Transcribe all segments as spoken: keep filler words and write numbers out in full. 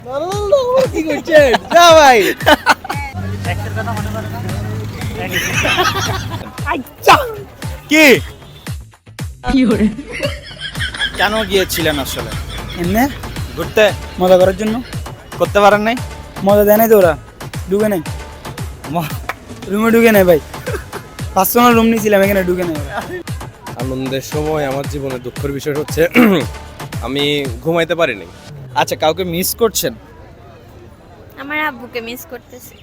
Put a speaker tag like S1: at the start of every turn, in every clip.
S1: না না না কি করছেন যা ভাই
S2: এক্সের কথা মনে পড়ে না
S1: আচ্ছা
S3: কি কেন গিয়েছিলেন আসলে?
S1: এমনি
S3: ঘুরতে
S1: মজা করার জন্য।
S3: করতে পারেন নাই?
S1: মজা দেয় নাই তো ওরা, ঢুকে নাই
S3: ম-
S1: রুমে, ঢুকে নাই ভাই, পার্সোনাল রুম নিয়েছিলাম, এখানে ঢুকে নাই ওরা।
S4: আনন্দের সময় আমার জীবনে দুঃখের বিষয় হচ্ছে আমি ঘুমাইতে পারিনি।
S3: আচ্ছা, কাউকে মিস করছেন?
S5: আমার আব্বুকে মিস করতেছি।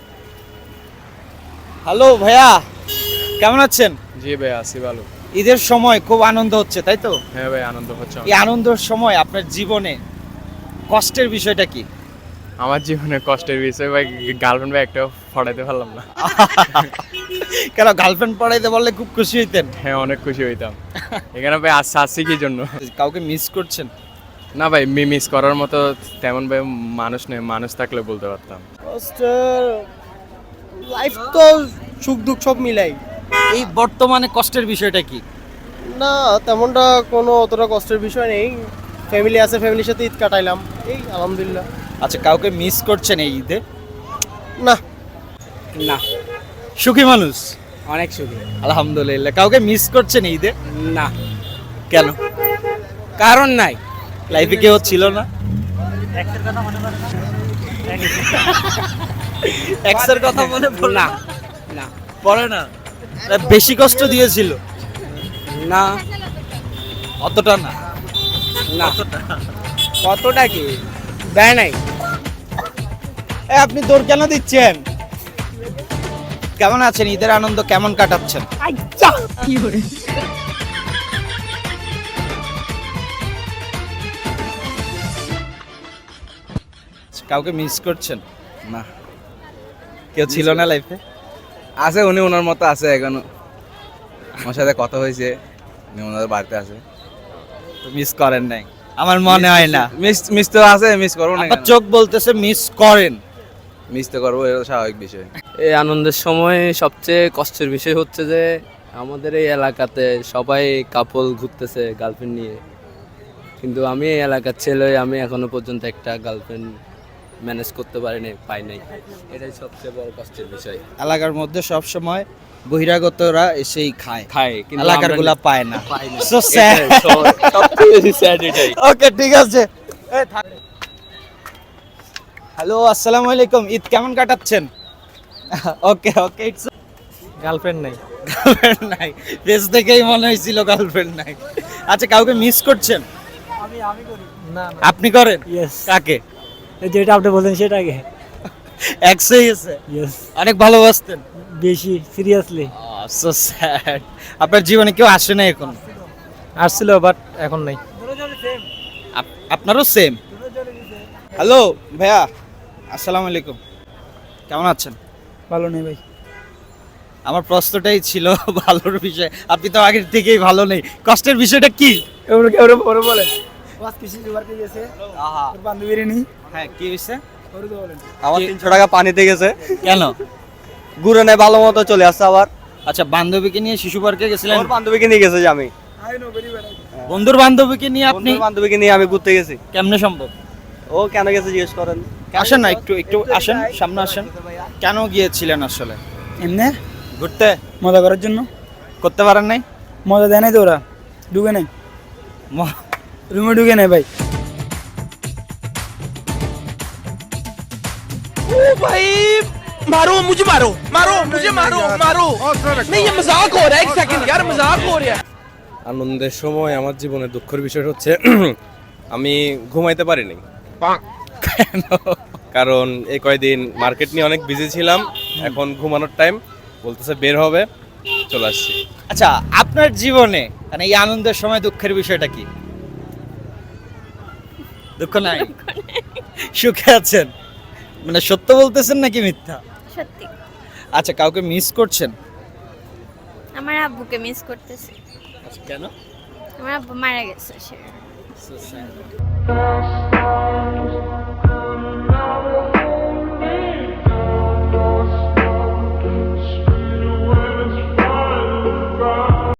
S3: হ্যালো ভাইয়া, কেমন আছেন?
S4: জি ভাই, আসি ভালো।
S3: ঈদের সময় খুব আনন্দ হচ্ছে, তাই তো?
S4: হ্যাঁ ভাই, আনন্দ হচ্ছে।
S3: এই আনন্দের সময় আপনার জীবনে কষ্টের বিষয়টা কি?
S4: আমার জীবনে কষ্টের বিষয় ভাই, গার্লফ্রেন্ড ভাই একটা ফড়াইতে পারলাম না।
S3: কেন, গার্লফ্রেন্ড পড়াইতে বললে খুব খুশি হইতেন?
S4: হ্যাঁ, অনেক খুশি হইতাম। এখানে ভাই আসছে আসছি কি জন্য?
S3: কাউকে মিস করছেন?
S4: না ভাই, মিস করার মতো তেমন ভাই মানুষ নেই, মানুষ থাকলে বলতে পারতাম।
S1: কষ্টের লাইফ তো সুখ দুঃখ সব মিলাই।
S3: এই বর্তমানে কষ্টের বিষয়টা কি?
S1: না তেমনটা কোনো অতটা কষ্টের বিষয় নেই, ফ্যামিলি আছে, ফ্যামিলির সাথে ঈদ কাটাইলাম, এই আলহামদুলিল্লাহ।
S3: আচ্ছা, কাউকে মিস করছেন এই ঈদে?
S1: না
S6: না,
S3: সুখী মানুষ,
S6: অনেক সুখী।
S3: আলহামদুলিল্লাহ। কাউকে মিস করছেন এই ঈদে?
S6: না,
S3: কেন?
S6: কারণ নাই।
S3: লাইফে কেউ ছিল না?
S2: এক্সের কথা মনে পড়ে না
S3: এক্সের কথা মনে পড়ে
S6: না
S3: না?
S6: না
S3: পড়ে না? তা বেশি কষ্ট দিয়েছিল?
S6: না
S3: অতটা না?
S6: না, কতটা কি দেয় নাই।
S3: এ, আপনি দৌড় কেন দিচ্ছেন? কেমন আছেন? ঈদের আনন্দ কেমন কাটাচ্ছেন? কাউকে মিস করছেন?
S6: না,
S3: কেউ ছিল না লাইফে?
S6: আছে, উনি ওনার মতো আছে এখনো। আমার সাথে কথা হয়েছে, উনি ওনাদের বাড়িতে আছে।
S3: মিস করেন নাই? আমার মনে হয় না।
S6: মিস মিস তো আছে, মিস করবো না
S3: আপনার
S6: কেন?
S3: চোখ বলতেছে মিস করেন।
S6: মিস তো করবো, এটা স্বাভাবিক বিষয়।
S7: এই আনন্দের সময় সবচেয়ে কষ্টের বিষয় হচ্ছে যে আমাদের এই এলাকাতে সবাই কাপল ঘুরতেছে গার্লফ্রেন্ড নিয়ে, কিন্তু আমি এই এলাকার ছেলে, আমি এখনো পর্যন্ত একটা গার্লফ্রেন্ড ম্যানেজ করতে পারিনি, পাই নাই। এটাই সবচেয়ে বড় কষ্টের বিষয়।
S3: এলাকার মধ্যে সব সময় বহিরাগতরা এসেই খায়,
S7: খায় কিন্তু
S3: এলাকার
S7: আমরা
S3: গুলা পায় না।
S7: পাই না।
S3: So sad.
S7: এটাই সব- সবচেয়ে বেশি স্যাড এটাই।
S3: ওকে, ঠিক আছে। হ্যালো, আসসালামু আলাইকুম। ঈদ কেমন কাটাচ্ছেন? ওকে ওকে, ইটস
S1: গার্লফ্রেন্ড নাই।
S3: গার্লফ্রেন্ড নাই? ফেস দেখেই মনে হয়েছিল গার্লফ্রেন্ড নাই। আচ্ছা, কাউকে মিস করছেন?
S1: আমি আমি করি না।
S3: আপনি করেন?
S1: ইয়েস,
S3: কাকে?
S1: যেটা আপনি বলেন সেটাকে।
S3: এক্সই গেছে?
S1: ইয়েস,
S3: অনেক ভালোবাসতেন?
S1: বেশি সিরিয়াসলি
S3: সো স্যাড। আপনার জীবনে কেউ আসে না এখন?
S1: আসছিল বাট এখন নাই।
S3: আপ- আপনারও সেম? হ্যালো ভাইয়া, আসসালামু আলাইকুম। কেমন আছেন?
S1: ভালো নেই ভাই।
S3: আমার প্রশ্নটাই ছিল ভালোর বিষয়। আপনি তো আগের থেকেই ভালো নেই। কষ্টের বিষয়টা কি?
S1: ওরা ওরা ওরা বলেন বাস কিছু জোগাড় করে গেছে, ওর বান্ধবীর নেই,
S3: হ্যাঁ, কি হয়েছে?
S1: ওরা তো বলেন।
S4: আমার
S3: কি-
S4: তিনশো টাকা পানিতে গেছে,
S3: কেন?
S4: ঘুরে নেয়, ভালো মতো চলে আসছে আবার।
S3: আচ্ছা, বান্ধবীকে নিয়ে শিশু পার্কে গেছিলেন?
S4: ওর বান্ধবীকে নিয়ে গেছে যে আমি,
S1: আই নো ভেরি ওয়েল।
S3: বন্ধুর বান্ধবীকে নিয়ে আপনি
S4: বন্ধুর বান্ধবীকে নিয়ে আমি ঘুরতে গেছি।
S3: কেমনে সম্ভব?
S4: ও কেন গেছে জিজ্ঞেস করেন।
S3: আসেন না, একটু একটু আসেন, সামনে আসেন। কেন গিয়েছিলেন আসলে?
S1: এমনি
S3: ঘুরতে?
S1: মজা করার জন্য।
S3: করতে পারেন নাই?
S1: মজা দেয় নাই তো ওরা, ঢুকে নাই
S3: ম-
S1: রুমে, ঢুকে নাই ভাই।
S8: मारो मुझे मारो मारो मुझे मारो मारो नहीं ये मजाक हो रहा है एक सेकंड यार मजाक हो रहा है।
S4: আনন্দের সময় আমার জীবনে দুঃখের বিষয় হচ্ছে আমি ঘুমাইতে পারিনি।
S3: কেন?
S4: কারণ এই কয়দিন মার্কেট নিয়ে অনেক বিজি ছিলাম, এখন ঘুমানোর টাইম, বলতেছে বের হবে, চলে আসছি।
S3: আচ্ছা, আপনার জীবনে মানে এই আনন্দের সময় দুঃখের বিষয়টা কি? দুঃখ নাই? সুখে আছেন? মানে সত্য বলতেছেন নাকি মিথ্যা?
S5: সত্যি,
S3: আচ্ছা, কাউকে মিস করছেন?
S5: আমার আব্বুকে মিস করতেছি।
S3: আচ্ছা, কেন?
S5: আমার আব্বু মারা গেছে সে।